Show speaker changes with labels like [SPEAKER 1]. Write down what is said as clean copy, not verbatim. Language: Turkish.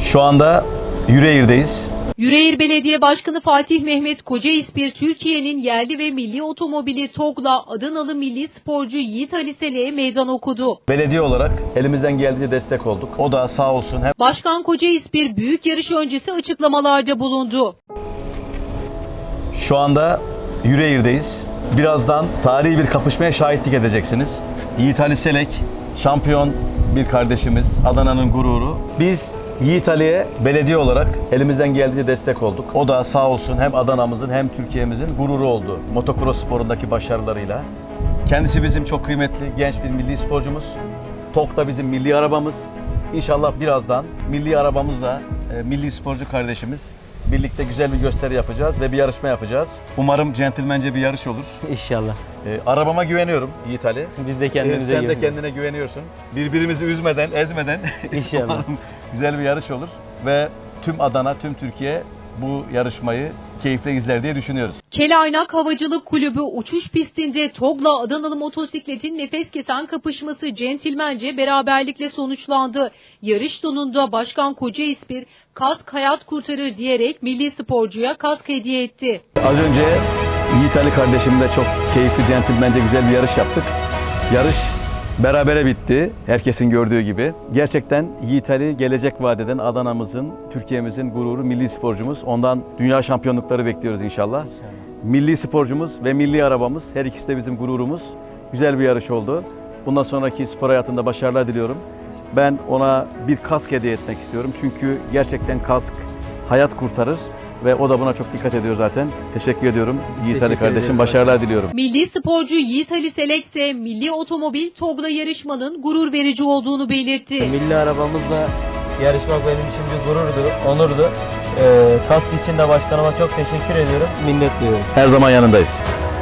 [SPEAKER 1] Şu anda Yüreğir'deyiz.
[SPEAKER 2] Yüreğir Belediye Başkanı Fatih Mehmet Kocaispir, Türkiye'nin yerli ve milli otomobili TOGG'la Adanalı milli sporcu Yiğit Ali Selek'e meydan okudu.
[SPEAKER 1] Belediye olarak elimizden geldiğince destek olduk. O da sağ olsun hem
[SPEAKER 2] Başkan Kocaispir büyük yarış öncesi açıklamalarda bulundu.
[SPEAKER 1] şu anda Yüreğir'deyiz. Birazdan tarihi bir kapışmaya şahitlik edeceksiniz. Yiğit Ali Selek, şampiyon bir kardeşimiz, Adana'nın gururu. Biz Yiğit Ali'ye belediye olarak elimizden geldiğince destek olduk. O da sağ olsun hem Adana'mızın hem Türkiye'mizin gururu oldu. Motokros sporundaki başarılarıyla. Kendisi bizim çok kıymetli genç bir milli sporcumuz. TOGG da bizim milli arabamız. İnşallah birazdan milli arabamızla milli sporcu kardeşimiz birlikte güzel bir gösteri yapacağız ve bir yarışma yapacağız. Umarım centilmence bir yarış olur.
[SPEAKER 3] İnşallah.
[SPEAKER 1] Arabama güveniyorum Yiğit Ali.
[SPEAKER 3] Biz de kendimize
[SPEAKER 1] Sen de
[SPEAKER 3] güveniyoruz.
[SPEAKER 1] kendine güveniyorsun. Birbirimizi üzmeden, ezmeden
[SPEAKER 3] İnşallah.
[SPEAKER 1] umarım güzel bir yarış olur. Ve tüm Adana, tüm Türkiye bu yarışmayı keyifle izler diye düşünüyoruz.
[SPEAKER 2] Kelaynak Havacılık Kulübü uçuş pistinde TOGG'la Adanalı motosikletin nefes kesen kapışması centilmence beraberlikle sonuçlandı. Yarış sonunda Başkan Kocaispir kask hayat kurtarır diyerek milli sporcuya kask hediye etti.
[SPEAKER 1] Az önce Yiğit Ali kardeşimle çok keyifli, centilmence güzel bir yarış yaptık. Yarış berabere bitti, herkesin gördüğü gibi. Gerçekten Yiğit Ali gelecek vadeden Adana'mızın, Türkiye'mizin gururu, milli sporcumuz. Ondan dünya şampiyonlukları bekliyoruz inşallah. Milli sporcumuz ve milli arabamız, her ikisi de bizim gururumuz. Güzel bir yarış oldu. Bundan sonraki spor hayatında başarılar diliyorum. Ben ona bir kask hediye etmek istiyorum. Çünkü gerçekten kask hayat kurtarır ve o da buna çok dikkat ediyor zaten. Teşekkür ediyorum Yiğit Ali kardeşim. Başarılar diliyorum.
[SPEAKER 2] Milli sporcu Yiğit Ali Selek ise milli otomobil TOGG'la yarışmanın gurur verici olduğunu belirtti.
[SPEAKER 3] Milli arabamızla yarışmak benim için bir gururdu, onurdu. Kask için de başkanıma çok teşekkür ediyorum. Minnet duyuyorum.
[SPEAKER 1] Her zaman yanındayız.